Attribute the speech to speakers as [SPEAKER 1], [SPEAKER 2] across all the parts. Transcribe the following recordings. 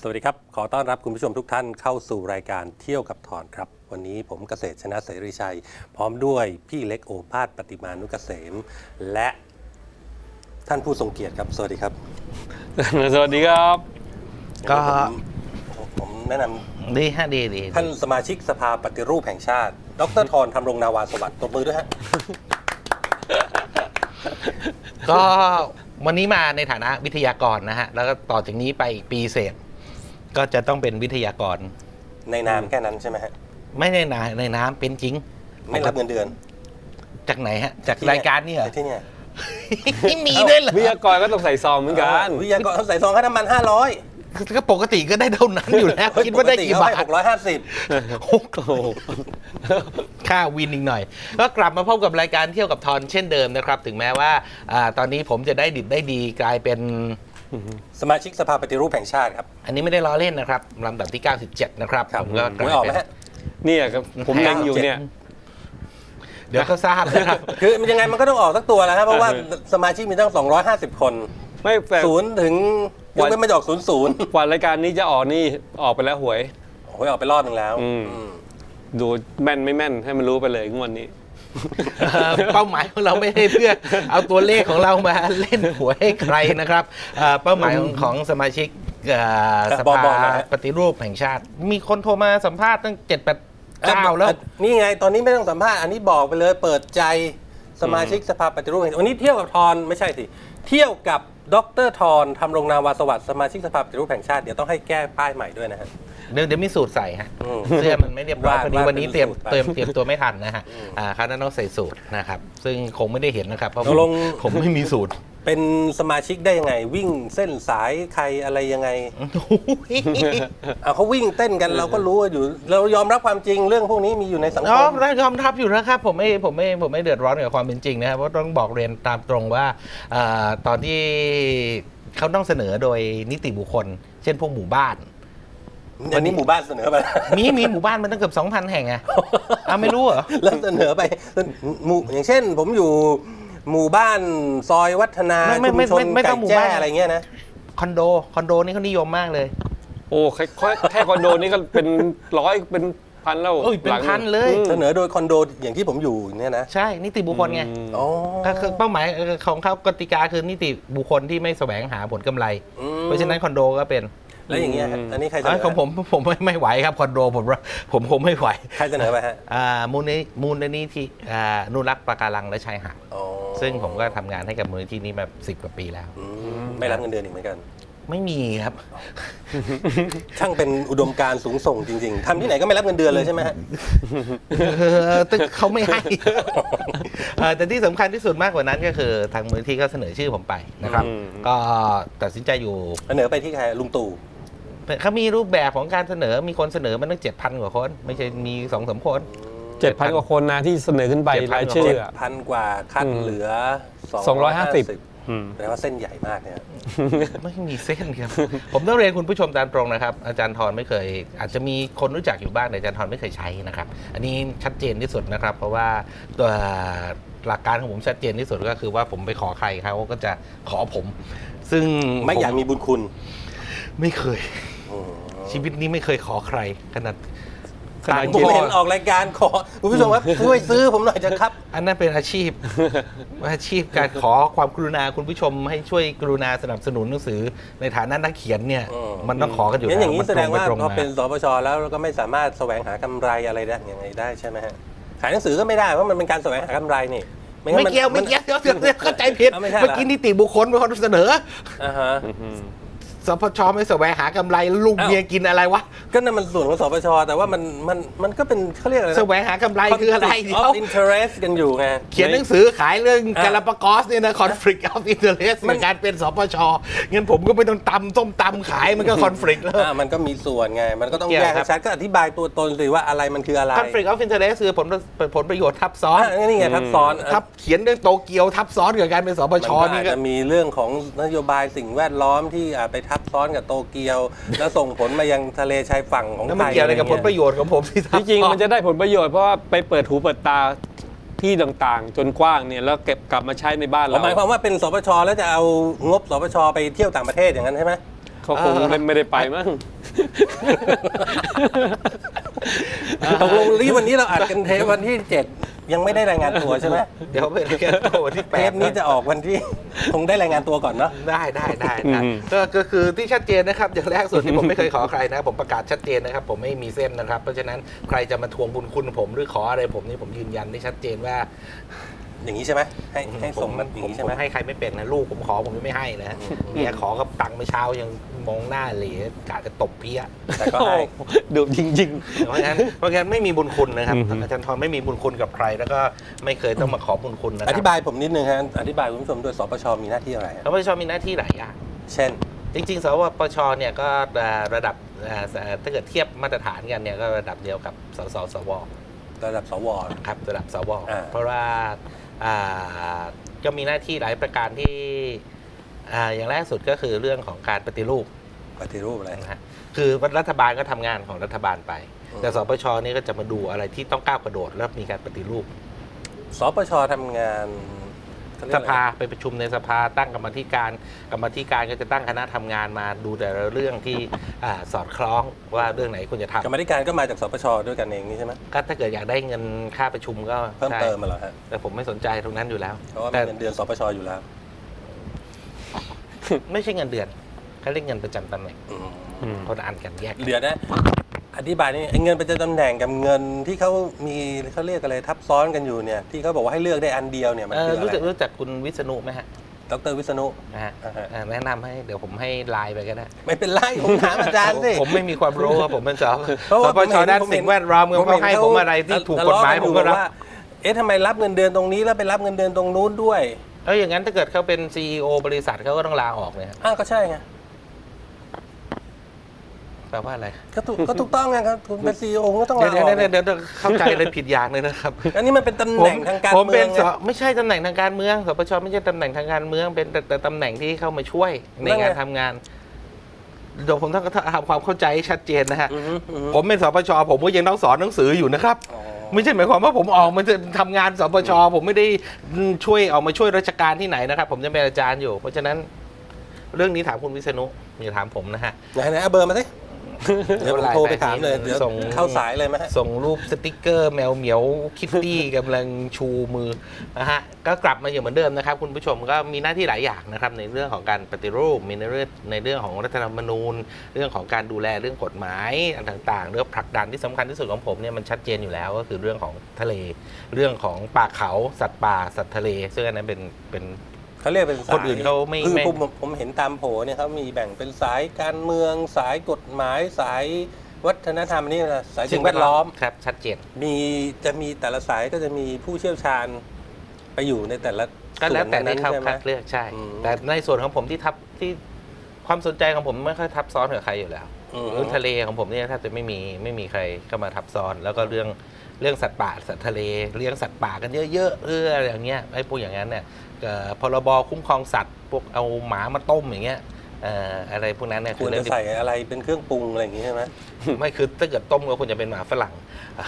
[SPEAKER 1] สวัสดีครับขอต้อนรับคุณผู้ชมทุกท่านเข้าสู่รายการเที่ยวกับทอนครับวันนี้ผมเกษตรชนะเสรีชัยพร้อมด้วยพี่เล็กโอภาสปฏิมานุกเกษมและท่านผู้ทรงเกียรติครับสวัสดีครับ
[SPEAKER 2] สวัสดีครับ
[SPEAKER 1] ก็ผมแนะนำ
[SPEAKER 3] ดีฮะดี
[SPEAKER 1] ท่านสมาชิกสภาปฏิรูปแห่งชาติดร.ธรธำรงนาวาสวัสดิ์ตบมือด้วยฮะ
[SPEAKER 3] ก็วันนี้มาในฐานะวิทยากรนะฮะแล้วก็ต่อจากนี้ไปอีกปีเศษก็จะต้องเป็นวิทยากร
[SPEAKER 1] ในนามแค่นั้นใช่ไหมฮะ
[SPEAKER 3] ไม่ในน้ำเป็นจริง
[SPEAKER 1] ไม่รับเงินเดือน
[SPEAKER 3] จากไหนฮะจากรายการนี่เหรอ
[SPEAKER 1] ที่เนี่ย
[SPEAKER 3] ไม่มีด้วยเหรอ
[SPEAKER 2] วิทยากรก็ต้องใส่ซองเหมือนกัน
[SPEAKER 1] วิทยากรต้องใส่ซองค่าน้ำมัน500
[SPEAKER 3] ก็ปกติก็ได้เท่านั้นอยู่แล้วคิดว่าได้กี่บาท
[SPEAKER 1] 650
[SPEAKER 3] ค่าวินอีกหน่อยก็กลับมาพบกับรายการเที่ยวกับทอนเช่นเดิมนะครับถึงแม้ว่าตอนนี้ผมจะได้ดิบได้ดีกลายเป็น
[SPEAKER 1] สมาชิกสภาปฏิรูปแห่งชาติครับ
[SPEAKER 3] อันนี้ไม่ได้ล้อเล่นนะครับลำดับที่97นะครับ
[SPEAKER 1] ผมก็ไม่ออกไหมฮะ
[SPEAKER 2] เนี่ยครับผมเล็งอยู่เนี่ย
[SPEAKER 3] เดี๋ยวก็ทราบนะครับ
[SPEAKER 1] คือมันยังไงมันก็ต้องออกสักตัวแล้วครับเพราะว่าสมาชิกมีตั้ง250คน
[SPEAKER 2] ไม่
[SPEAKER 1] ศูนย์ถึงยกเว้นไม่ออก00
[SPEAKER 2] กว่ารายการนี้จะออกนี่ออกไปแล้วหวย
[SPEAKER 1] ออกไปรอบนึงแล้ว
[SPEAKER 2] ดูแม่นไม่แม่นให้มันรู้ไปเลยงวดนี้
[SPEAKER 3] เป้าหมายของเราไม่ได้เพื่อเอาตัวเลขของเรามาเล่นหวยให้ใครนะครับเป้าหมายของสมาชิกสภาปฏิรูปแห่งชาติมีคนโทรมาสัมภาษณ์ตั้ง7-8 แล้ว
[SPEAKER 1] นี่ไงตอนนี้ไม่ต้องสัมภาษณ์อันนี้บอกไปเลยเปิดใจสมาชิกสภาปฏิรูปแห่งชาติวันนี้เที่ยวกับทอนไม่ใช่สิเที่ยวกับดร.ธรธำรงนาวาสวัสดิ์สมาชิกสภาปฏิรูปแห่งชาติเดี๋ยวต้องให้แก้ป้ายใหม่ด้วยนะฮะ
[SPEAKER 3] เดี๋ยวมีสูตรใส่ฮะเสื้อมันไม่เรียบร้อยพอดีวันนี้เตรียมตัวไม่ทันนะฮะคราวนั้นต้องใส่สูตรนะครับซึ่งคงไม่ได้เห็นนะครับเพราะผมไม่มีสูตร
[SPEAKER 1] เป็นสมาชิกได้ยังไงวิ่งเส้นสายใครอะไรยังไงเขาวิ่งเต้นกันเราก็รู้อยู่เรายอมรับความจริงเรื่องพวกนี้มีอยู่ในสังคม
[SPEAKER 3] ยอมรับอยู่นะครับผมไม่เดือดร้อนกับความเป็นจริงนะครับเพราะต้องบอกเรียนตามตรงว่าตอนที่เขาต้องเสนอโดยนิติบุคคลเช่นพวกหมู่บ้าน
[SPEAKER 1] วันนี้หมู่บ้านเสนอไป
[SPEAKER 3] มีหมู่บ้านมันตั้งเกือบ 2,000 แห่งไงไม่รู้เหรอ
[SPEAKER 1] แล้วเสนอไปอย่างเช่นผมอยู่หมู่บ้านซอยวัฒนาชุมชนไก่แจ้อะไรเงี้ยนะ
[SPEAKER 3] คอนโดนี่เขานิยมมากเลย
[SPEAKER 2] โอ้แค่คอนโดนี่ก็เป็นร้อยเป็นพันแล้ว
[SPEAKER 3] เป็นพันเลย
[SPEAKER 1] เสนอโดยคอนโดอย่างที่ผมอยู่เนี่ยนะ
[SPEAKER 3] ใช่นิติบุคคลไงก็คือเป้าหมายของเขากติกาคือนิติบุคคลที่ไม่แสวงหาผลกำไรเพราะฉะนั้นคอนโดก็เป็น
[SPEAKER 1] แล้วอย่างเงี้ยอันนี้ใครเสนอ
[SPEAKER 3] ของผมไม่ไหวครับคอนโดผมคงไม่ไหว
[SPEAKER 1] ใครเสนอไปฮะ
[SPEAKER 3] มูลนิธินุรักษ์ปะการังและชายหาดซึ่งผมก็ทำงานให้กับมูลนิธินี้มา10 กว่าปีแล้ว
[SPEAKER 1] ไม่รับเงินเดือนอีกเหมือนกัน
[SPEAKER 3] ไม่มีครับ
[SPEAKER 1] ช่างเป็นอุดมการณ์สูงส่งจริงๆทำที่ไหนก็ไม่รับเงินเดือนเลยใช่ไหมฮะ
[SPEAKER 3] เขาไม่ให้แต่ที่สำคัญที่สุดมากกว่านั้นก็คือทางมูลนิธิก็เสนอชื่อผมไปนะครับก็ตัดสินใจอยู่
[SPEAKER 1] เสนอไปที่ใครลุงตู่
[SPEAKER 3] เขามีรูปแบบของการเสนอมีคนเสนอมันตั้ง 7,000 กว่าคนไม่ใช่มี 2-3 คน
[SPEAKER 2] 7,000 กว่าคนนะที่เสนอขึ้นไปรายชื่อ
[SPEAKER 1] 7,000 กว่าคัดเหลือ250แปลว่าเส้นใหญ่มากเนี่ย
[SPEAKER 3] ไม่มีเส้นครับผมต้องเรียนคุณผู้ชมตามตรงนะครับอาจารย์ธรไม่เคยอาจจะมีคนรู้จักอยู่บ้างแต่อาจารย์ธรไม่เคยใช้นะครับอันนี้ชัดเจนที่สุดนะครับเพราะว่าตัวหลักการของผมชัดเจนที่สุดก็คือว่าผมไปขอใครเขาก็จะขอผมซึ่ง
[SPEAKER 1] ไม่อยากมีบุญคุณ
[SPEAKER 3] ไม่เคยชีวิตนี้ไม่เคยขอใครขนาด
[SPEAKER 1] ผมเห็นออกรายการขอคุณผู้ชมครับช่วยซื้อผมหน่อยจะครับ
[SPEAKER 3] อันนั้นเป็นอาชีพการขอความกรุณาคุณผู้ชมให้ช่วยกรุณาสนับสนุนหนังสือในฐานะนักเขียนเนี่ยมันต้องขอกันอยู่
[SPEAKER 1] แล้วอย่างนี้แสดงว่าพอเป็นสปชแล้วก็ไม่สามารถแสวงหากำไรอะไรได้ยังไงได้ใช่ไหมฮะขายหนังสือก็ไม่ได้เพราะมันเป็นการแสวงหากำไรนี่
[SPEAKER 3] ไม่เกี่ยวเข้าใจผิดเมื่อกี้นิติบุคคลเป็นคนเสนอสปชไม่แสวงหากำไรลูกเมียกินอะไรวะ
[SPEAKER 1] ก็นั่นมันส่วนของสปชแต่ว่ามันก็เป็นเขาเรียกอะไร
[SPEAKER 3] แสวงหากำไรคืออะไร
[SPEAKER 1] of interest กันอยู่ไง
[SPEAKER 3] เขียนหนังสือขายเรื่องกาลาปากอสเนี่ยนะ conflict of interest ในการเป็นสปชงั้นผมก็ไม่ต้องส้มตำขายมันก็ conflict แล้ว
[SPEAKER 1] มันก็มีส่วนไงมันก็ต้องแยกให้ชัดก็อธิบายตัวตนสิว่าอะไรมันคืออะไร
[SPEAKER 3] conflict of interest คือผลประโยชน์ทับซ้อน
[SPEAKER 1] นี่ไงทับซ้อน
[SPEAKER 3] เขียนเรื่องโตเกียวทับซ้อนกับการเป็นสปช
[SPEAKER 1] นี่ก็จะมีเรื่องของนโยบายสิ่งแวดล้อมที่ไปทับซ้อนกับโตเกียวแล้วส่งผลมายังทะเลชายฝั่งของไทย
[SPEAKER 3] มันเกี่ยวอะไรกับผลประโยชน์ของผม
[SPEAKER 2] ที่จริงมันจะได้ผลประโยชน์เพราะว่าไปเปิดหูเปิดตาที่ต่างๆจนกว้างเนี่ยแล้วเก็บกลับมาใช้ในบ้านเรา
[SPEAKER 1] หมายความว่าเป็นสปชแล้วจะเอางบสปชไปเที่ยวต่างประเทศอย่างนั้นใช่ไหม
[SPEAKER 2] เขาคงไม่ได้ไปมั้ง
[SPEAKER 1] ตกลงที่วันนี้เราอัดกันเทปวันที่ 7 ยังไม่ได้รายงานตัวใช่ไหม
[SPEAKER 3] เดี๋ยวไปรายงานตัววันที่
[SPEAKER 1] เทป
[SPEAKER 3] 8
[SPEAKER 1] นี้จะออกวันที่ คงได้รายงานตัวก่อนเนาะ
[SPEAKER 3] ได้ก็คือที่ชัดเจนนะครับอย่างแรกส่วนที่ผมไม่เคยขอใครนะผมประกาศชัดเจนนะครับผมไม่มีเส้นนะครับเพราะฉะนั้นใครจะมาทวงบุญคุณผมหรือขออะไรผมนี่ผมยืนยันได้ชัดเจนว่า
[SPEAKER 1] อย่างนี้ใช่ไหมให้ส่งมันอย่างนี้ใช่ไหม
[SPEAKER 3] ให้ใครไม่เป็นนะลูกผมขอผมไม่ให้นะเมียขอกับตังค์เมื่อเช้ายังมองหน้าเหล่กะจะตบเพี้ย
[SPEAKER 1] แต่ก็ให้
[SPEAKER 2] ดุจริง
[SPEAKER 3] เพราะงั้นไม่มีบุญคุณนะครับอาจารย์ทรไม่มีบุญคุณกับใคร แล้วก็ไม่เคยต้องมาขอบุญคุณนะค
[SPEAKER 1] อ
[SPEAKER 3] รับ
[SPEAKER 1] ธิบายผมนิดนึงฮะอธิบายคุณผู้ชมด้วยสปชมีหน้าที่อะไรฮะ
[SPEAKER 3] แล้วปชมีหน้าที่หลายอย่าง
[SPEAKER 1] เช่น
[SPEAKER 3] จริงๆสวปชเนี่ยก็ระดับถ้าเกิดเทียบมาตรฐานกันเนี่ยก็ระดับเดียวกับสว
[SPEAKER 1] ระดับสว
[SPEAKER 3] ครับระดับสว เพราะว่าก็มีหน้าที่หลายประการที่อย่างแรกสุดก็คือเรื่องของการปฏิรูป
[SPEAKER 1] ปฏิรูปอะไร
[SPEAKER 3] นะฮะคือรัฐบาลก็ทำงานของรัฐบาลไป แต่สปชนี่ก็จะมาดูอะไรที่ต้องก้าวกระโดดแล้วมีการปฏิรูป
[SPEAKER 1] สปชทำงานเขเรีย
[SPEAKER 3] ส
[SPEAKER 1] กอะไร
[SPEAKER 3] ภาไปประชุมในสภาตั้งกรรมาธิการก็จะตั้งคณะทำงานมาดูแต่ละเรื่องที่สอดคล้องว่าเรื่องไหนควรจะทำ
[SPEAKER 1] กรรมาธิการก็มาจากสปชด้วยกันเองนี่ใช่ไหม
[SPEAKER 3] ก็ถ้าเกิดอยากได้เงินค่าประชุมก็
[SPEAKER 1] เพิ่ม
[SPEAKER 3] ใช่
[SPEAKER 1] เติมมาเหรอฮะ
[SPEAKER 3] แต่ผมไม่สนใจตรงนั้นอยู่แล้ว
[SPEAKER 1] เพราะว่ามี
[SPEAKER 3] แต่
[SPEAKER 1] เงินเดือนสปชอยู่แล้ว
[SPEAKER 3] ไม่ใช่เงินเดือนเขาเรียกเงินประจำตำแหน่ง
[SPEAKER 1] อืม
[SPEAKER 3] คนอ่านกันแยก
[SPEAKER 1] เดี๋ยวนะอธิบายนี่ไอ้เงินประจำตำแหน่งกับเงินที่เขามีเขาเรียกอะไรทับซ้อนกันอยู่เนี่ยที่เขาบอกว่าให้เลือกได้อันเดียวเนี่ยมันคืออะไร
[SPEAKER 3] รู้จักคุณวิษณุไหมฮะ
[SPEAKER 1] ดรวิษณุ
[SPEAKER 3] นะฮะ
[SPEAKER 1] อ่าฮะ
[SPEAKER 3] แนะนำให้เดี๋ยวผมให้ไลน์ไปก็ได้
[SPEAKER 1] ไม่เป็นไรผมถามอาจารย์สิ
[SPEAKER 3] ผมไม่มีความรู้ครับผมเป็นส
[SPEAKER 1] เพราะว่า
[SPEAKER 3] ปชด้านสิ่งแวดล้อมเขาให้ผมอะไรที่ถูกกฎหมายผมก็รับ
[SPEAKER 1] ว่าเอ๊ะทำไมรับเงินเดือนตรงนี้แล้วไปรับเงินเดือนตรงนู้นด้วย
[SPEAKER 3] แล้วอย่างนั้นถ้าเกิดเขาเป็น CEO บริษัทเขาก็ต้องลาออกเลยครับ
[SPEAKER 1] อ้าวก็ใช่ไง
[SPEAKER 3] แปลว่าอะไร
[SPEAKER 1] ก็ถูกต้องไงครับคุณเป็นซีอีโอก็ต้องลาออก
[SPEAKER 3] เดี๋ยวเข้าใจเลยผิดอย่างเลยนะครับ
[SPEAKER 1] อันนี้มันเป็นตำแหน่งทางการ
[SPEAKER 3] ผม
[SPEAKER 1] เมื
[SPEAKER 3] เป็
[SPEAKER 1] อน งไง
[SPEAKER 3] ไม่ใช่ตำแหน่งทางการเมืองสปชไม่ใช่ตำแหน่งทางการเมืองเป็นแต่ตำแหน่งที่เข้ามาช่วยในงานทำงานเดี๋ยวผมต้องทำความเข้าใจให้ชัดเจนนะฮะ
[SPEAKER 1] อือฮึอือฮึ
[SPEAKER 3] ผมเป็นสปชผมก็ยังต้องสอนหนังสืออยู่นะครับ
[SPEAKER 1] อ๋อ
[SPEAKER 3] ไม่ใช่หมายความว่าผมออกมาจะทำงานสปชผมไม่ได้ช่วยออกมาช่วยราชการที่ไหนนะครับ ผมจะเป็นอาจารย์อยู่ เพราะฉะนั้นเรื่องนี้ถามคุณวิษณุอย่าถามผมนะฮะ
[SPEAKER 1] ไหนเอาเบอร์มาสิเดี๋ยวผมโทรไปถามเลยเดี๋ยว
[SPEAKER 3] ส่ง
[SPEAKER 1] เข้าสายเลยไหมฮะ
[SPEAKER 3] ส่งรูปสติกเกอร์แมวเหมียวคิตตี้ กำลังชูมือนะฮะก็กลับมาอย่างเหมือนเดิมนะครับ คุณผู้ชมก็มีหน้าที่หลายอย่างนะครับในเรื่องของการปฏิรูปมีในเรื่องของรัฐธรรมนูญ เรื่องของการดูแลเรื่องกฎหมายอันต่างๆเรื่องผลักดันที่สำคัญที่สุดของผมเนี่ยมันชัดเจนอยู่แล้วก็คือเรื่องของทะเลเรื่องของป่าเขาสัตว์ป่าสัตว์ทะเลซึ่งอันนั้นเป็น
[SPEAKER 1] เขาเรียกเป็นสาย
[SPEAKER 3] คนอื่นเขาไม่
[SPEAKER 1] คือ
[SPEAKER 3] ไม่
[SPEAKER 1] ผมเห็นตามโผเนี่ยเขามีแบ่งเป็นสายการเมืองสายกฎหมายสายวัฒนธรรมนี่นะสายสิ่งแวดล้อม
[SPEAKER 3] ครับชัดเจน
[SPEAKER 1] จะมีแต่ละสายก็จะมีผู้เชี่ยวชาญไปอยู่ในแต่ละ
[SPEAKER 3] ก็แล้วแต่
[SPEAKER 1] ส่
[SPEAKER 3] ใน
[SPEAKER 1] วน
[SPEAKER 3] เขา
[SPEAKER 1] ใช่ไหม
[SPEAKER 3] คัดเลือกใช่
[SPEAKER 1] อืม
[SPEAKER 3] แต่ในส่วนของผมที่ความสนใจของผมไม่ค่อยทับซ้อนกับใครอยู่แล้ว
[SPEAKER 1] อืม
[SPEAKER 3] เรื่องทะเลของผมเนี่ยแทบจะไม่มีใครเข้ามาทับซ้อน แล้วก็เรื่องสัตว์ป่าสัตว์ทะเลเลี้ยงสัตว์ป่ากันเยอะๆอะไรอย่างเงี้ยไอ้พวกอย่างนั้นเนี่ยพรบคุ้มครองสัตว์พวกเอาหมามาต้มอย่างเงี้ยอะไรพวกนั้นเนี่ย
[SPEAKER 1] ควร
[SPEAKER 3] เรื่
[SPEAKER 1] จะใส่อะไรเป็นเครื่องปรุงอะไรอย่างงี้ใช่ไหม
[SPEAKER 3] ไม่คือถ้าเกิดต้มก็ควรจะเป็นหมาฝรั่ง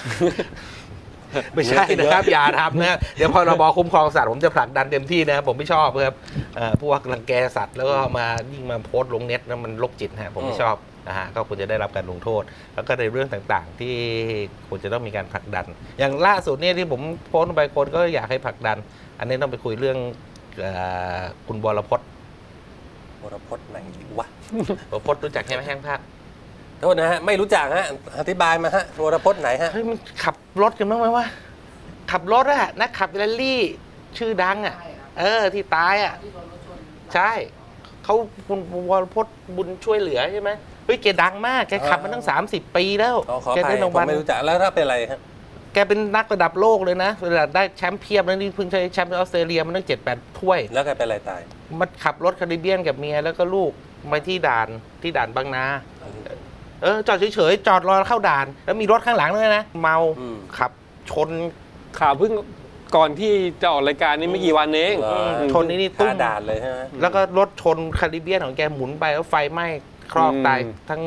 [SPEAKER 3] ไม่ใช่นะครับ อย่าทำนะเดี๋ยวพรบคุ้มครองสัตว์ผมจะผลักดันเต็มที่นะครับผมไม่ชอบครับพวกรังแกสัตว์แล้วก็มายิ่งมาโพสต์ลงเน็ตแล้วมันโรคจิตฮะผมไม่ชอบนะฮะก็ควรจะได้รับการลงโทษ แล้วก็ในเรื่องต่างๆ ที่ควรจะต้องมีการผลักดัน อย่างล่าสุดเนี่ยที่ผมโพสต์ลงไปคนก็อยากให้ผลักดัน อันนี้ต้องไปคุยเรื่องคุณวรพจน์
[SPEAKER 1] วรพจน์ไหนวะ
[SPEAKER 3] วรพจน์รู้จักใช่ไหมแห้งภาพ
[SPEAKER 1] โทษนะฮะไม่รู้จักฮะอธิบายมาฮะวรพจน์ไหนฮะ
[SPEAKER 3] เฮ้ยมันขับรถกันบ้างไหมวะขับรถอะนักขับแรลลี่ชื่อดังอะที่ตายอะใช่เขาคุณวรพจน์บุญช่วยเหลือใช่ไหมเฮ้ยแกดังมากแกขับมาตั้ง30 ปีแล้ว
[SPEAKER 1] ขอ
[SPEAKER 3] แก
[SPEAKER 1] ไป
[SPEAKER 3] ได้ราง
[SPEAKER 1] ผม
[SPEAKER 3] วัล
[SPEAKER 1] ไม่รู้จักแล้วถ้าเป็นอะไรฮะ
[SPEAKER 3] แกเป็นนักระดับโลกเลยนะระดับได้แชมป์เพียบแล้วนี่เพิ่งใช้แชมป์ออสเตรเลียมันตั้ง7-8 ถ้วย
[SPEAKER 1] แล้วแกเป็นอะไรตาย
[SPEAKER 3] มันขับรถคาริเบียนกับเมียแล้วก็ลูกไปที่ด่านบางนาจอดเฉยๆจอดรอเข้าด่าน แล้วมีรถข้างหลังด้วยนะเมา
[SPEAKER 1] อืม
[SPEAKER 3] ขับชน
[SPEAKER 2] ข่าวเพิ่งก่อนที่จะออกรายการนี้ไม่กี่วันเอง
[SPEAKER 1] เหรอ
[SPEAKER 3] ชนนี่ตุ้
[SPEAKER 1] ตาม ด่านเลยใช่ไหม
[SPEAKER 3] แล้วก็รถชนคาริเบียนของแกหมุนไปแล้วไฟไหม้ครอกตายทั้ง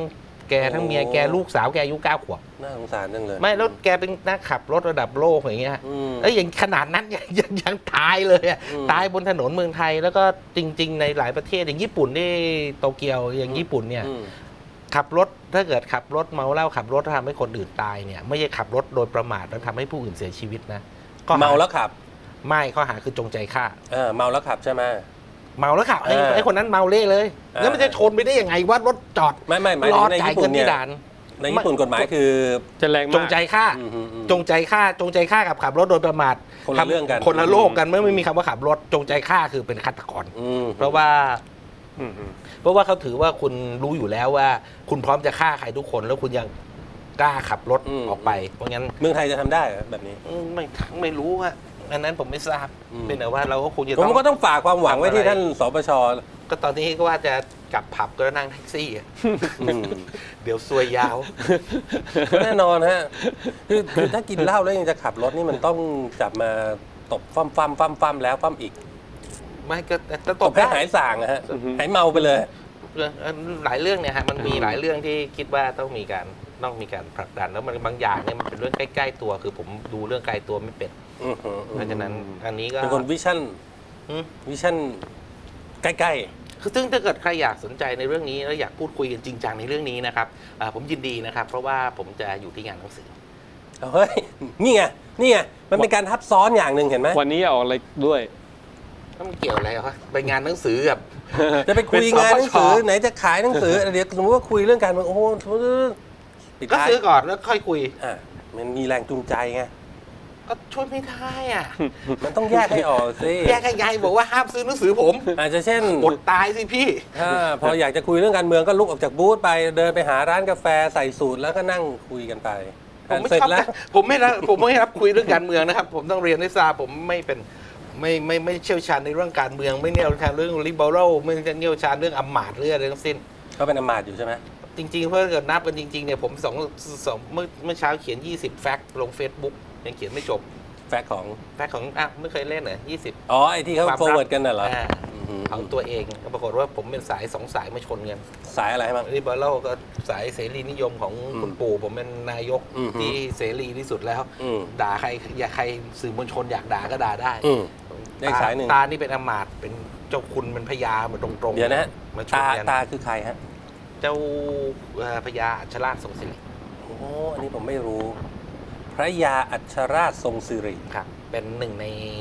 [SPEAKER 3] แกทั้งเมียแกลูกสาวแกอายุ9 ขวบ
[SPEAKER 1] น่าสงสารจังเลย
[SPEAKER 3] ไม่แล้วแกเป็นนักขับรถระดับโลกอย่างเงี้ย
[SPEAKER 1] อืม
[SPEAKER 3] แล้วอย่างขนาดนั้นยังตายเลยอะ
[SPEAKER 1] อืม
[SPEAKER 3] ตายบนถนนเมืองไทยแล้วก็จริง ๆ ในหลายประเทศอย่างญี่ปุ่นที่โตเกียวอย่างญี่ปุ่นเนี่ย
[SPEAKER 1] อืม
[SPEAKER 3] ขับรถถ้าเกิดขับรถเมาเหล้าขับรถทำให้คนอื่นตายเนี่ยไม่ใช่ขับรถโดยประมาทแล้วทำให้ผู้อื่นเสียชีวิตนะข้อห
[SPEAKER 1] เมาแล้วขับ
[SPEAKER 3] ไม่ข้อหาคือจงใจฆ่า
[SPEAKER 1] เมาแล้วขับใช่ไหม
[SPEAKER 3] เมาแล้วขับไอ้
[SPEAKER 1] เออ
[SPEAKER 3] ไอ้คนนั้นเมาเละเลย แล้วมันจะชนไปได้ยังไงว่ารถจอด
[SPEAKER 1] ไม่หมาย
[SPEAKER 3] ร
[SPEAKER 1] ถึ
[SPEAKER 3] อง
[SPEAKER 1] ใน
[SPEAKER 3] จ่าย
[SPEAKER 1] ญี่ปุ่
[SPEAKER 3] เงิ
[SPEAKER 1] น
[SPEAKER 3] น
[SPEAKER 1] เนี่
[SPEAKER 3] ที่
[SPEAKER 1] ย
[SPEAKER 3] ด่าน
[SPEAKER 1] ในญี่ปุ่นกฎหมายคือ
[SPEAKER 2] จะแรงมาก
[SPEAKER 3] จงใจฆ่า
[SPEAKER 1] อืม
[SPEAKER 3] จงใจฆ่ากับขับรถโดยประมาท
[SPEAKER 1] คนละเรื่องกัน
[SPEAKER 3] คนละโลกกันไม่มีคำว่าขับรถจงใจฆ่าคือเป็นฆาตกร
[SPEAKER 1] อืม
[SPEAKER 3] เพราะว่า
[SPEAKER 2] อืม
[SPEAKER 3] เขาถือว่าคุณรู้อยู่แล้วว่า คุณพร้อมจะฆ่าใครทุกคนแล้วคุณยังกล้าขับรถออกไป เพราะงั้น
[SPEAKER 1] เมืองไทยจะทำได้เหรอแบบนี้
[SPEAKER 3] ไม่รู้ฮะอันนั้นผมไม่ทราบ
[SPEAKER 1] อืม
[SPEAKER 3] เป็นแต่ว่าเราก็คงจะ
[SPEAKER 1] ผม
[SPEAKER 3] ต้อง
[SPEAKER 1] ก็ต้องฝากความหวังไว้ที่ท่านสปช
[SPEAKER 3] ก็ตอนนี้ก็ว่าจะกลับผับก็นั่งแท็กซี่อะ
[SPEAKER 1] อืม
[SPEAKER 3] เดี๋ยวซวยยาว
[SPEAKER 1] แน่นอนฮะคือถ้ากินเหล้าแล้วยังจะขับรถนี่มันต้องจับมาตบฟั่มแล้วฟั่มอีก
[SPEAKER 3] ไม่ก็จะ
[SPEAKER 1] ตบให้หายส่างนะฮะหายเมาไปเลย
[SPEAKER 3] หลายเรื่องเนี่ยฮะมันมีหลายเรื่องที่คิดว่าต้องมีการผลักดันแล้วมันบางอย่างเนี่ยมันเป็นเรื่องใกล้ๆตัวคือผมดูเรื่องไกลตัวไม่เป็น
[SPEAKER 1] อือหือ
[SPEAKER 3] เพราะฉะนั้นอันนี้ก็
[SPEAKER 1] เป็นคนวิชั่นใกล้
[SPEAKER 3] คือซึ่งถ้าเกิดใครอยากสนใจในเรื่องนี้แล้วอยากพูดคุยกันจริงจังในเรื่องนี้นะครับผมยินดีนะครับ เพราะว่าผมจะอยู่ที่งานหนังสือ
[SPEAKER 1] ๆเฮ้ยนี่ไงมันเป็นการทับซ้อนอย่างหนึ่งเห็นไหม
[SPEAKER 2] วันนี้ออกอะไรด้วย
[SPEAKER 3] มันเกี่ยวอะไรวะไปงานหนังสือกับ
[SPEAKER 1] จะไปคุย
[SPEAKER 3] เป็น
[SPEAKER 1] งานหนังสือ
[SPEAKER 3] สปช
[SPEAKER 1] ไหนจะขายหนังสือเดี๋ยวสมมติว่าคุยเรื่องการเมืองโอ้โหปิด
[SPEAKER 3] ก็
[SPEAKER 1] ท้าย
[SPEAKER 3] ซื้อก่อนแล้วค่อยคุย
[SPEAKER 1] มันมีแรงจูงใจไง
[SPEAKER 3] ก็ช่วยไม่ได้อ่ะ
[SPEAKER 1] มันต้องแยกให้ออกสิ
[SPEAKER 3] แยกยังไงบอกว่าห้ามซื้อหนังสือผม
[SPEAKER 1] อาจจะเช่น
[SPEAKER 3] อดตายสิพี่
[SPEAKER 1] ถ้าพออยากจะคุยเรื่องการเมืองก็ลุกออกจากบูธไปเดินไปหาร้านกาแฟใส่สูตรแล้วก็นั่งคุยกันไป
[SPEAKER 3] ผมไม่
[SPEAKER 1] เสร็จ
[SPEAKER 3] ชอบ
[SPEAKER 1] แล้ว
[SPEAKER 3] ผมไม่รับคุยเรื่องการเมืองนะครับ ผมต้องเรียนให้ทราบผมไม่เป็นไม่เชี่ยวชาญในเรื่องการเมือง ไม่เชี่ยวชาญเรื่องลิเบอรัลไม่เชี่ยวชาญเรื่องอำมาตย์เรื่องอะไรทั้งสิ้น
[SPEAKER 1] ก็เป็นอำมาตย์อยู่ใช่ไหม
[SPEAKER 3] จริงๆเพื่อเกิดนับกันจริงๆเนี่ยผมเมื่อเช้าเขียน20แฟกต์ลง Facebook ยังเขียนไม่จบ
[SPEAKER 1] แฟกต์ของ
[SPEAKER 3] แฟกต์ของไม่เคยเล่นเหรอ20
[SPEAKER 1] อ๋อไอ้ที่เขา forward กันน่ะเหรออือหือ
[SPEAKER 3] เอาตัวเองปรากฏว่าผมเป็นสาย2 สายมาชนกัน
[SPEAKER 1] สายอะไรบ้าง
[SPEAKER 3] ลิเบอรัลก็สายเสรีนิยมของ
[SPEAKER 1] อืม
[SPEAKER 3] คุณปู่ผมเป็นนายก
[SPEAKER 1] อืม
[SPEAKER 3] ที่เสรีที่สุดแล้ว
[SPEAKER 1] อืม
[SPEAKER 3] ด่าใครอยากใครสื่อมวลชนอยากด่าก็ด่าได้
[SPEAKER 1] อืม ได้สายหนึ่ง
[SPEAKER 3] ตานี่เป็นอำมาตย์เป็นเจ้าคุณเป็นพญาเหมือนตรงๆ
[SPEAKER 1] เดี๋ยวนะฮะ
[SPEAKER 3] มาชน
[SPEAKER 1] ตา
[SPEAKER 3] กัน
[SPEAKER 1] ตาคือใครฮะ
[SPEAKER 3] เจ้าพญาอัชราชทรงศิริ
[SPEAKER 1] โอ้อันนี้ผมไม่รู้ พระยาอัชราชทรงสิริ
[SPEAKER 3] ครับ เป็นหนึ่งใน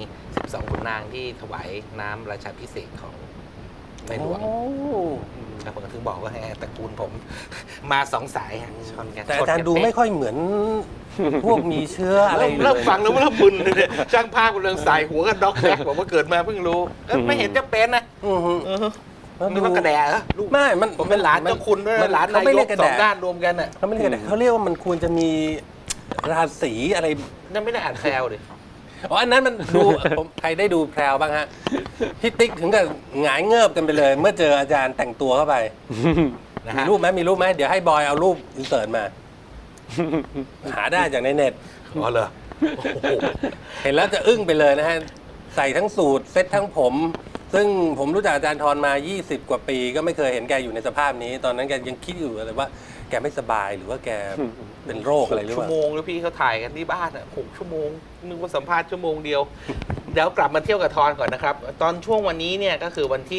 [SPEAKER 3] 12ขุนนางที่ถวายน้ำราชาภิเษกของในหลวง
[SPEAKER 1] โอ้
[SPEAKER 3] แล้วผมก็ถึงบอกว่าให้ตระกูลผม มา2 สายฮะชนกัน
[SPEAKER 1] แต่อาจารย์ดูไม่ค่อยเหมือน พวกมีเชื้ออะไรเลย
[SPEAKER 3] เริ่มฟังแล้วเริ่มมึนเลยเนี่ยช่างภาพกำลังใส่หัวกันด็อกแดกบอกว่าเกิดมาเพิ่งรู้ไม่เห็นจะเป็นนะ
[SPEAKER 1] อือหือ
[SPEAKER 3] นึกว่ากระแดะเหรอลูก
[SPEAKER 1] ไม่มัน
[SPEAKER 3] ผมเป็นหลานเจ้าคุณด้วย
[SPEAKER 1] มั
[SPEAKER 3] นะหลาน
[SPEAKER 1] เขา
[SPEAKER 3] นาย
[SPEAKER 1] ไม่เรี
[SPEAKER 3] ก
[SPEAKER 1] ยกกระ
[SPEAKER 3] ส
[SPEAKER 1] แด
[SPEAKER 3] องด้านรวมกันอ่ะ
[SPEAKER 1] เขาไม่เรียกกระแดเขาเรียกว่ามันควรจะมีราศีอะไร
[SPEAKER 3] นั่นไม่ได้อ่านแซวดิ
[SPEAKER 1] อ๋ออันนั้นมันดู ผมใครได้ดูแพรวบ้างฮะพี่ติ๊กถึงกับหงายเงิบกันไปเลย เมื่อเจออาจารย์แต่งตัวเข้าไป
[SPEAKER 3] นะ
[SPEAKER 1] มี
[SPEAKER 3] ฮะ
[SPEAKER 1] รูปไหมมีรูปไหมเดี๋ยวให้บอยเอารูปอินเสิร์ตมา หาได้จากในเน็ต
[SPEAKER 3] อ๋อเหรอโอ้โห
[SPEAKER 1] เห็นแล้วจะอึ้งไปเลยนะฮะ ใส่ทั้งสูทเซ็ตทั้งผม ซึ่งผมรู้จักอาจารย์ทรมา 20 กว่าปี ก็ไม่เคยเห็นแกอยู่ในสภาพนี้ ตอนนั้นแกยังคิดอยู่เลยว่าแกไม่สบายหรือว่าแกเป็นโรคอะไรหรือ
[SPEAKER 3] ชั่
[SPEAKER 1] เป
[SPEAKER 3] ว
[SPEAKER 1] ล่า
[SPEAKER 3] โมงแล้วพี่เขาถ่ายกันที่บ้านอ่ะ6 ชั่วโมงนึกว่าสัมภาษณ์ชั่วโมงเดียว เดี๋ยวกลับมาเที่ยวกับทอนก่อนนะครับ ตอนช่วงวันนี้เนี่ยก็คือวันที่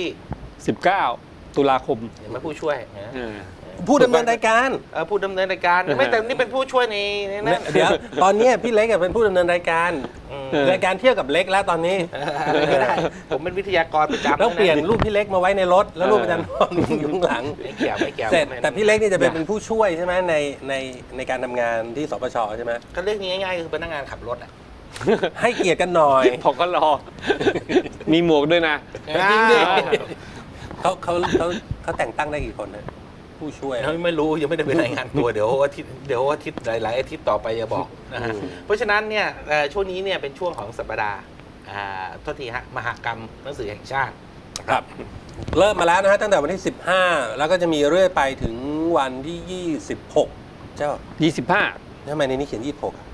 [SPEAKER 2] 19 ตุลาคม
[SPEAKER 3] เห็นไหมผู้ช่วยนะ
[SPEAKER 1] ผู้ดำเนินรายการ
[SPEAKER 3] ผู้ดำเนินรายการไม่แต่นี่เป็นผู้ช่วยในนั้น
[SPEAKER 1] เดี๋ยวตอนเนี้ยพี่เล็กอะเป็นผู้ดำเนินรายการ
[SPEAKER 3] อืม
[SPEAKER 1] รายการเที่ยวกับเล็กแล้วตอนนี้
[SPEAKER 3] อะไรก็ได้ ผมเป็นวิทยากรประจำ
[SPEAKER 1] แล้วเปลี่ยน
[SPEAKER 3] นะ
[SPEAKER 1] รูปพี่เล็กมาไว้ในรถ แล้วรูปอาจารย์พรอยู่ข้างหลัง
[SPEAKER 3] ไม่เกี่ยวไม่เกี่ยว
[SPEAKER 1] เสร็จ
[SPEAKER 3] ไม่
[SPEAKER 1] แต่พี่เล็กนี่จะเป็นผู้ช่วยใช่ไหมในการทำงานที่สปชใช่ไหม
[SPEAKER 3] ก็เรื่องนี้ง่ายๆคือพนักงานขับรถอ่ะ
[SPEAKER 1] ให้เกียรติกันหน่อย
[SPEAKER 2] ผมก็รอ มีหมวกด้วยนะ
[SPEAKER 1] จริงดิ
[SPEAKER 2] อ่า
[SPEAKER 1] เขาแต่งตั้งได้กี่คนนะผู้ช่วย
[SPEAKER 3] ไม่รู้ยังไม่ได้ไปรายงานตัว เดี๋ยวอาทิตย์หลายๆอาทิตย์ต่อไปจะบอกนะฮะ
[SPEAKER 1] อืม
[SPEAKER 3] เพราะฉะนั้นเนี่ยช่วงนี้เนี่ยเป็นช่วงของสัปดาห์โทษทีฮะมหกรรมหนังสือแห่งชาติ
[SPEAKER 1] ครับ เริ่มมาแล้วนะฮะตั้งแต่วันที่ 15 แล้วก็จะมีเรื่อยไปถึงวันที่ 26 เจ้า
[SPEAKER 2] 25
[SPEAKER 1] ทำไมในนี้เขียน 26อะ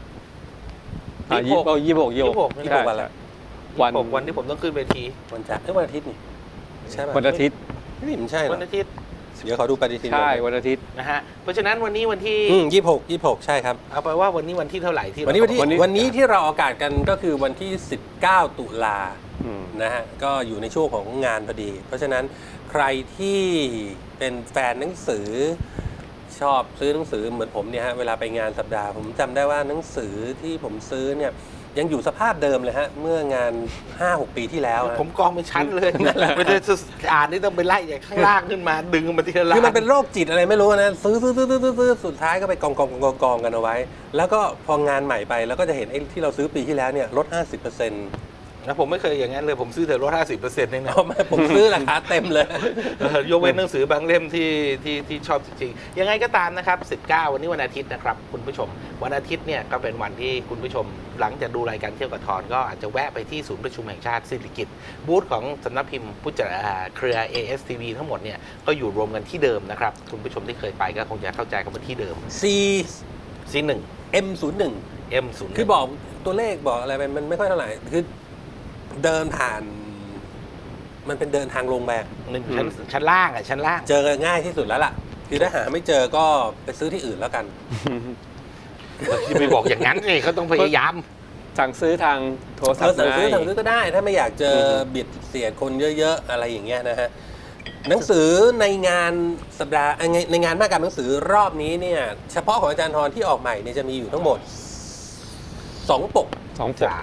[SPEAKER 2] 26
[SPEAKER 1] 26วันละ
[SPEAKER 3] วันที่ผมต้องขึ้นเวที
[SPEAKER 1] วันจันทร์วันอาทิตย์นี่ใช่ป่ะ
[SPEAKER 2] วันอาทิตย์
[SPEAKER 1] นี่มันใช่เหร
[SPEAKER 3] วั
[SPEAKER 1] อน
[SPEAKER 3] อาทิตย์
[SPEAKER 1] เดี๋ยวขอดูปฏิทิน
[SPEAKER 2] ใช่วันอาทิตย์
[SPEAKER 3] นะฮะเพราะฉะนั้นวันนี้วันที่
[SPEAKER 1] 26 ใช่ครับ
[SPEAKER 3] เอาไปว่าวันนี้วันที่เท่าไหร่ที่
[SPEAKER 1] วันนี้ที่เราออกอากาศกันก็คือวันที่ 19 ตุลา
[SPEAKER 2] อืม
[SPEAKER 1] นะฮะก็อยู่ในช่วงของงานพอดี เพราะฉะนั้นใครที่เป็นแฟนหนังสือชอบซื้อหนังสือเหมือนผมเนี่ยฮะเวลาไปงานสัปดาห์ผมจำได้ว่าหนังสือที่ผมซื้อเนี่ยยังอยู่สภาพเดิมเลยฮะเมื่องาน 5-6 ปีที่แล้วฮะ
[SPEAKER 3] ผมกองเป็นชั้นเลยไม่ได้อ่านนี่ต้องไปไล่จากข้างล่างขึ้นมาดึงมาทีละ
[SPEAKER 1] คือมันเป็นโรคจิตอะไรไม่รู้นะซื้อสุดท้ายก็ไปกองกันเอาไว้ แล้วก็พองานใหม่ไปแล้วก็จะเห็นไอ้ที่เราซื้อปีที่แล้วเนี่ยลด 50%
[SPEAKER 3] นะผมไม่เคยอย่างนั้นเลยผมซื้อแต่ลด 50%เองนะ
[SPEAKER 1] เอามาผมซื้อราคาเต็มเลย
[SPEAKER 3] ยกเว้นหนังสือบางเล่มที่ชอบจริงๆยังไงก็ตามนะครับ19วันนี้วันอาทิตย์นะครับคุณผู้ชมวันอาทิตย์เนี่ยก็เป็นวันที่คุณผู้ชมหลังจากดูรายการเที่ยวกับทอนก็อาจจะแวะไปที่ศูนย์ประชุมแห่งชาติสิริกิติ์บูธของสำนักพิมพ์ผู้จัดเครือ ASTV ทั้งหมดเนี่ยก็อยู่รวมกันที่เดิมนะครับคุณผู้ชมที่เคยไปก็คงจะเข้าใจกันว่าที่เดิม
[SPEAKER 1] C
[SPEAKER 3] C1
[SPEAKER 1] M01
[SPEAKER 3] M01
[SPEAKER 1] คือบอกตัวเลขบอกอะไรไปมันไม่ค่อยเท่าไหร่คือเดินผ่านมันเป็นเดินทางลงแบบ
[SPEAKER 3] หนึ่งชั้นล่างชั้นล่าง
[SPEAKER 1] เจอง่ายที่สุดแล้วล่ะคือถ้าหาไม่เจอก็ไปซื้อที่อื่นแล้วกัน
[SPEAKER 3] จะไปบอกอย่างนั้นเลยเขาต้องพยายาม
[SPEAKER 2] สั่งซื้อทางโทรศัพท์
[SPEAKER 1] สั่งซื้อ
[SPEAKER 2] ได้
[SPEAKER 1] สั่งซื้อก็ได้ ถ้าไม่อยากเจอเบียดเสียดคนเยอะๆอะไรอย่างเงี้ยนะฮะหนังสือในงานสัปดาห์ในงานมหกรรมหนังสือรอบนี้เนี่ยเฉพาะของอาจารย์ธรที่ออกใหม่เนี่ยจะมีอยู่ทั้งหมด2 ปก
[SPEAKER 2] 2 ปก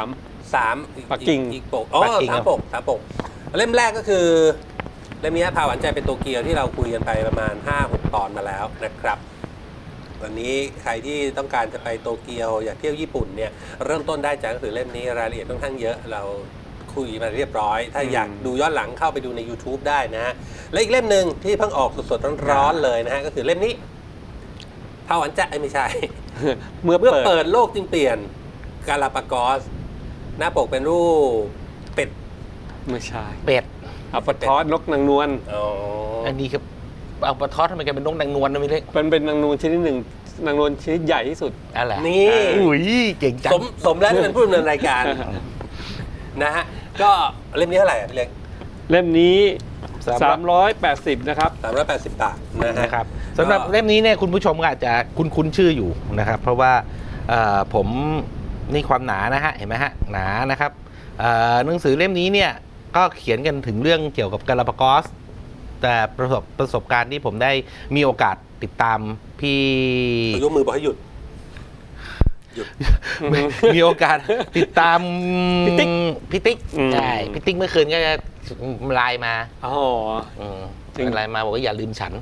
[SPEAKER 1] 3
[SPEAKER 2] ปักกิ่ง
[SPEAKER 1] อีกปก3 ปกเล่มแรกก็คือเล่มนี้พาหวานใจเป็นโตเกียวที่เราคุยกันไปประมาณ 5-6 ตอนมาแล้วนะครับวันนี้ใครที่ต้องการจะไปโตเกียวอยากเที่ยวญี่ปุ่นเนี่ยเริ่มต้นได้จากหนังสือเล่มนี้รายละเอียดค่อนข้างเยอะเราคุยมาเรียบร้อย ถ้าอยากดูย้อนหลังเข้าไปดูใน YouTube ได้นะฮะและอีกเล่มหนึ่งที่เพิ่งออกสดๆร้อนๆเลยนะฮะก็คือเล่มนี้พาหวานใจไม่ใช่
[SPEAKER 2] เมื่อ
[SPEAKER 1] เมื่อ
[SPEAKER 2] เปิ
[SPEAKER 1] เปิ
[SPEAKER 2] ด
[SPEAKER 1] ดโลกจึงเปลี่ยนกาลาปากอสหน้าปกเป็นรูปเป็ด
[SPEAKER 2] ไม่ใช่
[SPEAKER 3] เป็ด
[SPEAKER 2] อัปทอสนกนางนวล
[SPEAKER 1] อ๋อ
[SPEAKER 3] อันนี้ครับเอาปลาทอดทำไมแกเป็นนกนางนวลนะไม่เล็ก
[SPEAKER 2] เป็นนางนวลชนิดหนึ่งนางนวลชนิดใหญ่ที่สุด
[SPEAKER 3] อะไร
[SPEAKER 1] นี่
[SPEAKER 3] อุ้ยเก่งจัง
[SPEAKER 1] สมแล้วที่เป็นผู้ดำเนินรายการ นะฮะก็เล่มนี้เท่าไหร่อ่ะพี่เล็ก
[SPEAKER 2] เล่มนี้ 380 นะครับ
[SPEAKER 1] 380 บาทนะฮะ
[SPEAKER 3] นะครับสำหรับเล่มนี้เนี่ยคุณผู้ชมก็อาจจะคุ้นชื่ออยู่นะครับ เพราะว่าผมนี่ความหนานะฮะเห็นไหมฮะหนานะครับหนังสือเล่มนี้เนี่ยก็เขียนกันถึงเรื่องเกี่ยวกับกาลาปากอสแต่ประสบการณ์ที่ผมได้มีโอกาสติดตามพี่
[SPEAKER 1] ยกมือบอกให้หยุด
[SPEAKER 3] มีโอกาสติดตาม
[SPEAKER 2] พี่ติ๊ก
[SPEAKER 3] พี่ติ๊ก
[SPEAKER 2] อืม
[SPEAKER 3] ใช่พี่ติ๊กเมื่อคืนก็จะไลน์มา
[SPEAKER 2] อ๋อ จริง
[SPEAKER 3] ไลน์มาบอกว่าอย่าลืมฉัน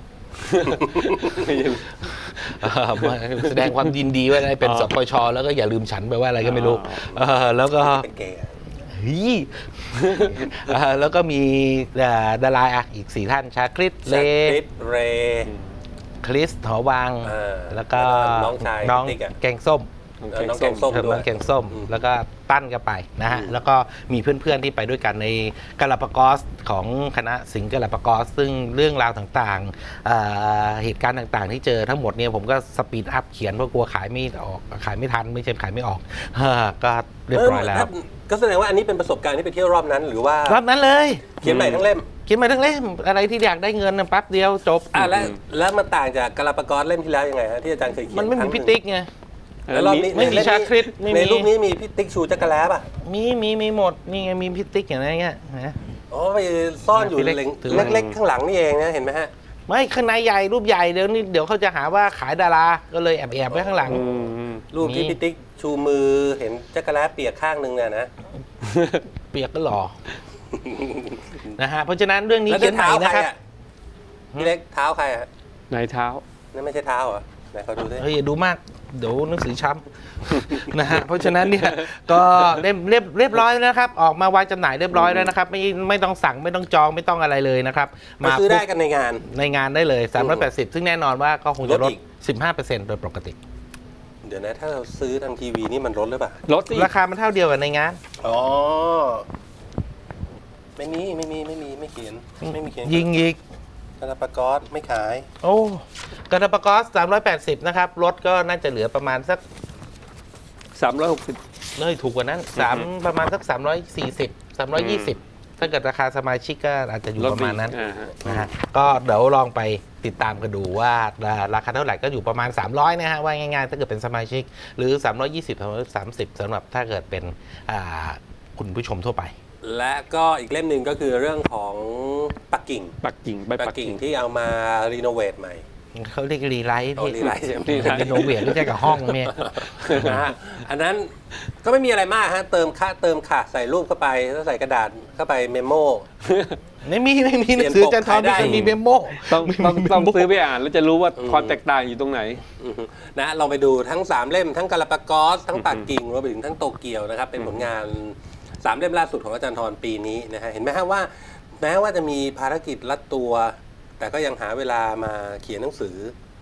[SPEAKER 3] มาแสดงความยินดีว่าได้เป็น
[SPEAKER 2] อ๋อ
[SPEAKER 3] สปชแล้วก็อย่าลืมฉันแปลว่าอะไรก็ไม่รู้แล้วก็
[SPEAKER 1] เป็นเกย์อะ
[SPEAKER 3] เฮ้ยแล้วก็มีดาราอีก 4 ท่านชาคริสเล
[SPEAKER 1] คริสเรย์
[SPEAKER 3] คริสหอวัง แล้วก็
[SPEAKER 1] น้องชาย
[SPEAKER 3] น้อง
[SPEAKER 1] ติ๊กอะ
[SPEAKER 3] แกงส้ม
[SPEAKER 1] น้องแกงส้ม
[SPEAKER 3] น้
[SPEAKER 1] ด้ว
[SPEAKER 3] อย งแกงส้ม แล้วก็ตั้นก็ไปนะฮะ แล้วก็มีเพื่อนๆที่ไปด้วยกันในกาลาปากอสของคณะสิงห์กาลาปากอสซึ่งเรื่องราวต่างๆเหตุการณ์ต่างๆ ที่เจอทั้งหมดเนี่ยผมก็สปีดอัพเขียนเพราะกลัวขายไม่ออกขายไม่ทันไม่ใช่ขายไม่ออกก็เรียบร้อยแล้ว
[SPEAKER 1] ก็แสดงว่าอันนี้เป็นประสบการณ์ที่ไปเที่ยวรอบนั้นหรือว่าร
[SPEAKER 3] อบนั้นเลย
[SPEAKER 1] เขียนใหม่ทั้งเล่ม
[SPEAKER 3] เขียนมาทั้งเล่มอะไรที่อยากได้เงินนะแป๊บเดียวจบ
[SPEAKER 1] แล้วมันต่างจากกาลาปากอสเล่มที่แล้วยังไงฮะที่อาจารย์เคยเขียน
[SPEAKER 3] มันไม่มี
[SPEAKER 1] ครั้งห
[SPEAKER 3] พี่
[SPEAKER 1] นึ่ง
[SPEAKER 3] ติ๊กไง
[SPEAKER 1] แล้วรอบนี้
[SPEAKER 3] ไม่มีชาคริสไม่มี
[SPEAKER 1] ในรูปนี้มีพี่ติ๊กชูจักรแล้ป่ะ
[SPEAKER 3] มีหมดนี่ไงมีพี่ติ๊กอย่างไรเงี้ยนะ
[SPEAKER 1] อ๋อไปซ่อนอยู่
[SPEAKER 3] พี่เล็กถือไว้
[SPEAKER 1] เล็กๆข้างหลังนี่เองนะเห็นไหมฮะ
[SPEAKER 3] ไม่ข้างในใหญ่รูปใหญ่เดี๋ยวเขาจะหาว่าขายดาราก็เลยแอบไว้ข้างหลัง
[SPEAKER 1] รูปที่พี่ติ๊กชูมือเห็นจักรแล้เปียกข้างหนึ่งเนี่ยนะ
[SPEAKER 3] เปียกก็หล่อ นะฮะเพราะฉะนั้นเรื่องนี้
[SPEAKER 1] แล้ว
[SPEAKER 3] เขียนใหม่นะครับ
[SPEAKER 1] พี่เล็กเท้าใครฮะ
[SPEAKER 2] ไหนเท้า
[SPEAKER 1] นั่นไม่ใช่เท้าเหรอไหนเขาดูสิ
[SPEAKER 3] เฮ้ยอย่าดูมากเดี๋ยวหนังสือช้ำ นะฮะเพราะฉะนั้นเนี่ยก็เรียบร้อยแล้วนะครับออกมาวางจำหน่ายเรียบร้อยแล้วนะครับไม่ต้องสั่งไม่ต้องจองไม่ต้องอะไรเลยนะครับ
[SPEAKER 1] มาซื้อได้กันในงาน
[SPEAKER 3] ในงานได้เลย380ซึ่งแน่นอนว่าก็คงจะลด
[SPEAKER 1] ลดอีก
[SPEAKER 3] 15%โดยปกติ
[SPEAKER 1] เดี๋ยวนะถ้าเราซื้อทางทีวีนี่มันลดหรือเปล่า
[SPEAKER 2] รถสิ
[SPEAKER 3] ราคามันเท่าเดียวกับในงาน
[SPEAKER 1] อ๋อไม่เขียนไม่มีเขียน
[SPEAKER 3] ยิงอีก
[SPEAKER 1] กาลาปากอสไม่ขาย
[SPEAKER 3] โอ้กาลาปากอส380นะครับรถก็น่าจะเหลือประมาณสัก
[SPEAKER 2] 360
[SPEAKER 3] เลยถูกกว่านั้นประมาณสัก340 320 ถ้าเกิดราคาสมาชิกก็อาจจะอยู่ประมาณนั้น
[SPEAKER 2] ฮะ
[SPEAKER 3] นะฮะก็เดี๋ยวลองไปติดตามกันดูว่าราคาเท่าไหร่ก็อยู่ประมาณ 300นะฮะว่าง่ายๆถ้าเกิดเป็นสมาชิกหรือ 320 330สำหรับถ้าเกิดเป็นคุณผู้ชมทั่วไป
[SPEAKER 1] และก็อีกเล่มหนึ่งก็คือเรื่องของปักกิ่ง
[SPEAKER 2] ปักกิ่งใบ
[SPEAKER 1] ปั
[SPEAKER 2] ปั
[SPEAKER 1] ก
[SPEAKER 2] ก
[SPEAKER 1] กิ่
[SPEAKER 2] กิ่
[SPEAKER 1] ง
[SPEAKER 2] ง
[SPEAKER 1] ที่เอามารีโนเวทใหม่
[SPEAKER 3] เขาเรียกรีไลท์
[SPEAKER 1] เอา
[SPEAKER 3] พี่
[SPEAKER 1] รีไลท์ใช่ไหม
[SPEAKER 3] รีโนเวทไม่ใช่กับห้องเนี่ย
[SPEAKER 1] นะฮะอันนั้นก็ไม่มีอะไรมากฮะเติมค่ะใส่รูปเข้าไปแล้วใส่กระดาษเข้าไปเมมโม
[SPEAKER 3] ไม่มีหนังสืออาจารย์ทอมไม่เคยมีเมมโม
[SPEAKER 2] ต้องซื้อไปอ่านแล้วจะรู้ว่าความแตกต่างอยู่ตรงไหน
[SPEAKER 1] นะลองไปดูทั้ง 3 เล่มทั้งกาลาปากอสทั้งปักกิ่งรวมไปถึงทั้งโตเกียวนะครับเป็นผลงาน 3 เล่มล่าสุดของอาจารย์ทรปีนี้นะฮะเห็นไหมฮะว่าแม้ว่าจะมีภารกิจรัดตัว แต่ก็ยังหาเวลามาเขียนหนังสือ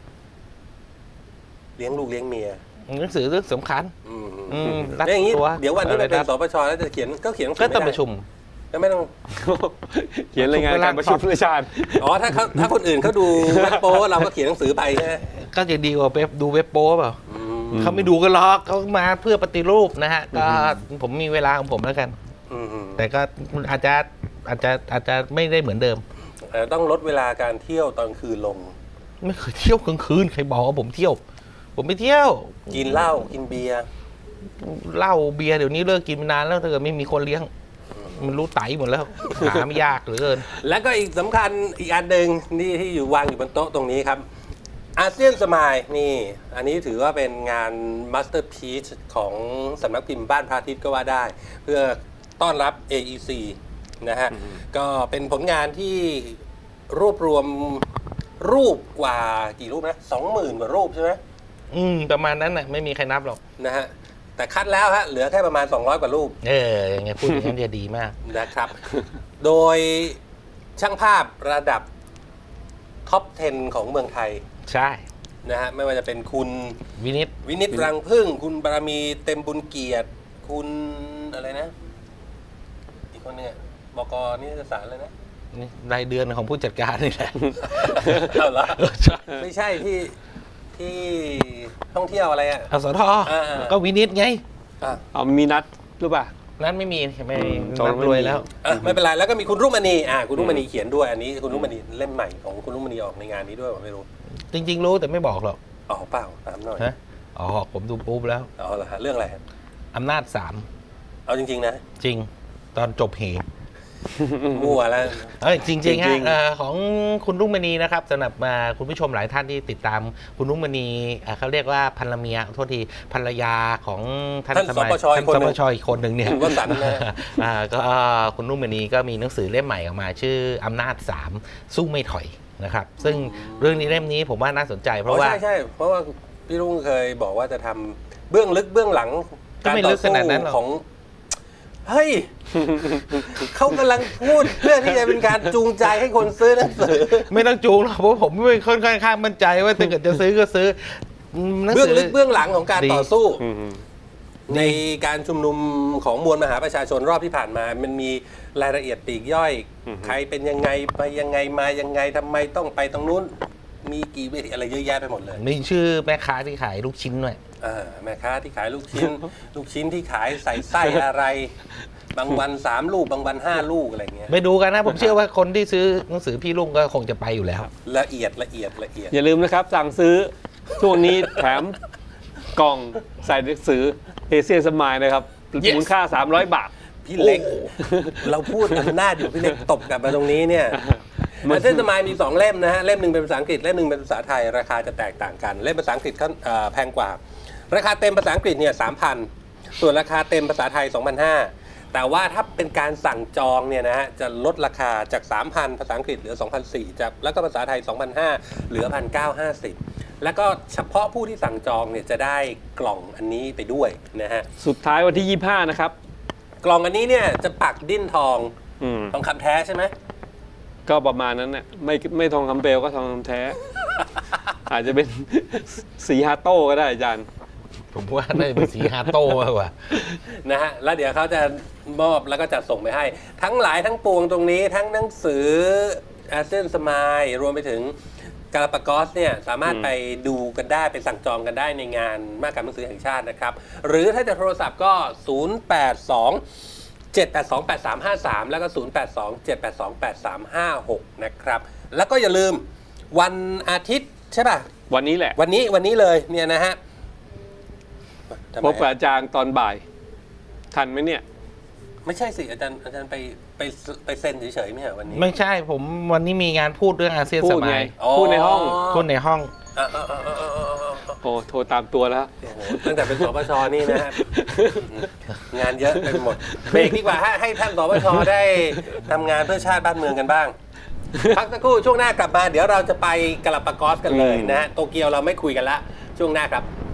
[SPEAKER 1] เลี้ยงลูกเลี้ยงเมีย
[SPEAKER 3] หนังสือเรื่องสำคัญ รัด
[SPEAKER 1] แล้วอย่างนี้
[SPEAKER 3] ตัว
[SPEAKER 1] เดี๋ยววันที่มันเป็น
[SPEAKER 3] อะไร
[SPEAKER 1] ส
[SPEAKER 3] นะ
[SPEAKER 1] ปชแล้วจะเขียนก็เขียนหนังสื
[SPEAKER 3] ก็
[SPEAKER 1] อ
[SPEAKER 3] ต้อง
[SPEAKER 1] ไม่
[SPEAKER 3] ป
[SPEAKER 1] ได้
[SPEAKER 3] ระชุม
[SPEAKER 1] ก็ไม่ต้อง
[SPEAKER 2] เขียนรายงานการประชุมประชาชน
[SPEAKER 1] อ๋อถ้าคนอื่นเขาดูเว็บโป้เราก็เขียนหนังสือไปใช่ไหม
[SPEAKER 3] ก็จะดีกว่าดูเว็บโป้เปล่าเขาไม่ดูกันหรอกเขามาเพื่อปฏิรูปนะฮะก็ผมมีเวลาของผมแล้วกัน แต่ก็อาจจะไม่ได้เหมือนเดิม
[SPEAKER 1] ต้องลดเวลาการเที่ยวตอนคืนลง
[SPEAKER 3] ไม่เคยเที่ยวกลางคืนใครบอกว่าผมเที่ยว ผมไม่เที่ยว
[SPEAKER 1] กินเหล้ากินเบียร์
[SPEAKER 3] เหล้าเบียร์เดี๋ยวนี้เลิกกินมานานแล้วถ้าเกิดไม่มีคนเลี้ยง มันรู้ไตหมดแล้ว หาไม่ยากเหลือเกิน
[SPEAKER 1] แล้วก็อีกสำคัญอีกอันหนึ่งนี่ที่อยู่วางอยู่บนโต๊ะตรงนี้ครับอาเซียนสมายนี่อันนี้ถือว่าเป็นงานมาสเตอร์พีซของสำนักพิมพ์บ้านพระอาทิตย์ก็ว่าได้ เพื่อต้อนรับ AEC นะฮะก็เป็นผลงานที่รวบรวมรูปกว่ากี่รูปนะ 20,000 กว่ารูปใช่ไหม
[SPEAKER 3] ประมาณนั้นน่ะไม่มีใครนับหรอก
[SPEAKER 1] นะฮะแต่คัดแล้วฮะเหลือแค่ประมาณ 200 กว่ารูป
[SPEAKER 3] อย่างเงี้ยพูดอย่างนั้นจะดีมาก
[SPEAKER 1] นะครับ โดยช่างภาพระดับท็อป 10 ของเมืองไทย
[SPEAKER 3] ใช่
[SPEAKER 1] นะฮะไม่ว่าจะเป็นคุณ
[SPEAKER 3] วินิต
[SPEAKER 1] วินิตรังพึ่ง คุณบารมีเต็มบุญเกียรติ คุณอะไรนะ อีกคนเนี่ยบกนิตยสารเลยนะ
[SPEAKER 3] นี่รายเดือนของผู้จัดการนี่แหละ
[SPEAKER 1] เอาเหรอ
[SPEAKER 3] ใช่
[SPEAKER 1] ไม่ใช่ที่ท่องเที่ยวอะไรอ่ะ
[SPEAKER 3] อสท ก็วินิตไง
[SPEAKER 1] อ่ะ
[SPEAKER 2] เอามีนัดหรือเปล่า
[SPEAKER 3] นั้นไม่มีไม่
[SPEAKER 2] จอง
[SPEAKER 3] นับ
[SPEAKER 2] ไม่มี
[SPEAKER 3] รวยแล้ว
[SPEAKER 1] ไม่เป็นไรแล้วก็มีคุณรุ่งมณีคุณรุ่งมณีเขียนด้วยอันนี้คุณรุ่งมณีเล่มใหม่ของคุณรุ่งมณีออกในงานนี้ด้วยผมไม่รู้
[SPEAKER 3] จริง ๆ รู้แต่ไม่บอกหรอก
[SPEAKER 1] อ๋อเปล่าตามหน่อย
[SPEAKER 3] ฮะผมดูปุ๊บแล้ว
[SPEAKER 1] อ๋อเหรอฮะเรื่องอะไรฮะ
[SPEAKER 3] อำนาจ
[SPEAKER 1] เอาจริงๆนะ
[SPEAKER 3] 3 จริง ตอนจบเห
[SPEAKER 1] มั่วแล้ว
[SPEAKER 3] จริง
[SPEAKER 2] จริ
[SPEAKER 3] ๆฮะ
[SPEAKER 2] ง
[SPEAKER 3] ของคุณรุ่งมณีนะครับสำหรับคุณผู้ชมหลายท่านที่ติดตามคุณรุ่งมณีเขาเรียกว่าภรรเมียโทษทีภรรยาของท่าน
[SPEAKER 1] ท่าน
[SPEAKER 3] สมัย
[SPEAKER 1] สปชอีกคนหนึ่ง
[SPEAKER 3] ท่านสปชอีกคนหนึ่งเนี่ย
[SPEAKER 1] วสันต์นะ
[SPEAKER 3] ก็คุณรุ่งมณีก็มีหนังสือเล่มใหม่ออกมาชื่ออำนาจ 3 สู้ไม่ถอยนะครับ ซึ่งเรื่องนี้เล่มนี้ผมว่าน่าสนใจเพราะว่า
[SPEAKER 1] ใช่เพราะว่าพี่รุ่งเคยบอกว่าจะทำเบื้องลึกเบื้องหลัง
[SPEAKER 3] ก็ไม่ลึกขนาดนั้นหรอก
[SPEAKER 1] ของเฮ้ย เขากำลังพูดเพื่อที่จะเป็นการจูงใจให้คนซื้อหนังสือ
[SPEAKER 3] ไม่ต้องจูงหรอกเพราะผมไม่ค่อนข้างมั่นใจว่าถ้าเกิดจะซื้อก็ซื้อหนัง
[SPEAKER 1] เบื้อง
[SPEAKER 3] สือ
[SPEAKER 1] ลึกเบื้องหลังของการ
[SPEAKER 3] ดี
[SPEAKER 1] ต่อสู้
[SPEAKER 2] อืม
[SPEAKER 1] ในการชุมนุมของมวลมหาประชาชนรอบที่ผ่านมา มันมีรายละเอียดปลีกย่อย ใครเป็นยังไงไปยังไงมายังไงทำไมต้องไปตรงนู้น มีกี่เวทีอะไรเยอะแยะไปหมดเลย
[SPEAKER 3] มีชื่อแม่ค้าที่ขายลูกชิ้นด้วย
[SPEAKER 1] แม่ค้าที่ขายลูกชิ้น ลูกชิ้นที่ขายใส่ไส้อะไร บางวัน3 ลูกบางวัน5 ลูกอะไรเงี้ย
[SPEAKER 3] ไปดูกันนะ ผมเชื่อว่าคนที่ซื้อหนังสือพี่ลุงก็คงจะไปอยู่แล้ว
[SPEAKER 1] ละเอียด
[SPEAKER 2] อย่าลืมนะครับ สั่งซื้อช่วงนี้แถมกล่องใส่หนังสือเอเชียนสมายนะครับ
[SPEAKER 3] Yes
[SPEAKER 2] มูลค่า 300 บาท
[SPEAKER 1] พี่เล็ก เราพูดอำนาจอยู่พี่เล็กตบกลับมาตรงนี้เนี่ยอาเซนสมายมี 2 เล่มนะฮะเล่มหนึ่งเป็นภาษาอังกฤษเล่มหนึ่งเป็นภาษาไทยราคาจะแตกต่างกันเล่มภาษาอังกฤษแพงกว่า ราคาเต็มภาษาอังกฤษเนี่ย 3,000 ส่วนราคาเต็มภาษาไทย 2,500 แต่ว่าถ้าเป็นการสั่งจองเนี่ยนะฮะจะลดราคาจาก 3,000 ภาษาอังกฤษเหลือ 2,400จากแล้วก็ภาษาไทย 2,500 เหลือ 1,950 แล้วก็เฉพาะผู้ที่สั่งจองเนี่ยจะได้กล่องอันนี้ไปด้วยนะฮะ
[SPEAKER 2] สุดท้ายวันที่ 25 นะครับ
[SPEAKER 1] กล่องอันนี้เนี่ยจะปักดิ้นทอง
[SPEAKER 2] อืม
[SPEAKER 1] ทองคำแท้ใช่ไหม
[SPEAKER 2] ก็ประมาณนั้นน่ะไม่ทองคำเปลวก็ทองคำแท้ อาจจะเป็นสีฮาโต้ก็ได้อาจารย์
[SPEAKER 3] ผมว่าน่าจะเป็นสีฮาโต้มากกว่า
[SPEAKER 1] นะฮะแล้วเดี๋ยวเขาจะมอบแล้วก็จัดส่งไปให้ ทั้งหลายทั้งปวงตรงนี้ทั้งหนังสืออาเซียนสมายรวมไปถึงกาลาปากอสเนี่ยสามารถไปดูกันได้ไปสั่งจองกันได้ในงานมหกรรมหนังสือแห่งชาตินะครับ หรือถ้าจะโทรศัพท์ก็ 082 7828353 แล้วก็ 0827828356 นะครับ แล้วก็อย่าลืมวันอาทิตย์ใช่ป่ะ
[SPEAKER 2] วันนี้แหละ
[SPEAKER 1] วันนี้เลยเนี่ยนะฮะทำไม
[SPEAKER 2] พบกับอาจารย์ตอนบ่าย ทันไหมเนี่ย
[SPEAKER 1] ไม่ใช่สิอาจารย์ไปเซ็นเฉยๆไม่ใช่เหรอวันนี้
[SPEAKER 3] ไม่ใช่ผมวันนี้มีงานพูดเรื่องอาเซียน
[SPEAKER 2] พู
[SPEAKER 3] ส
[SPEAKER 2] ด
[SPEAKER 3] มั
[SPEAKER 2] ไง
[SPEAKER 3] ย
[SPEAKER 2] พูดในห้อง
[SPEAKER 3] พูดในห้อง
[SPEAKER 2] โอ้โทรตามตัวแล้ว
[SPEAKER 1] โอ้โหตั้งแต่เป็นสปชนี่นะฮะงานเยอะไปหมดเบรกดีกว่าให้ท่านสปชได้ทำงานเพื่อชาติบ้านเมืองกันบ้าง พักสักครู่ช่วงหน้ากลับมาเดี๋ยวเราจะไปกาลาปากอสกันเลยนะฮะโตเกียวเราไม่คุยกันละช่วงหน้าครับ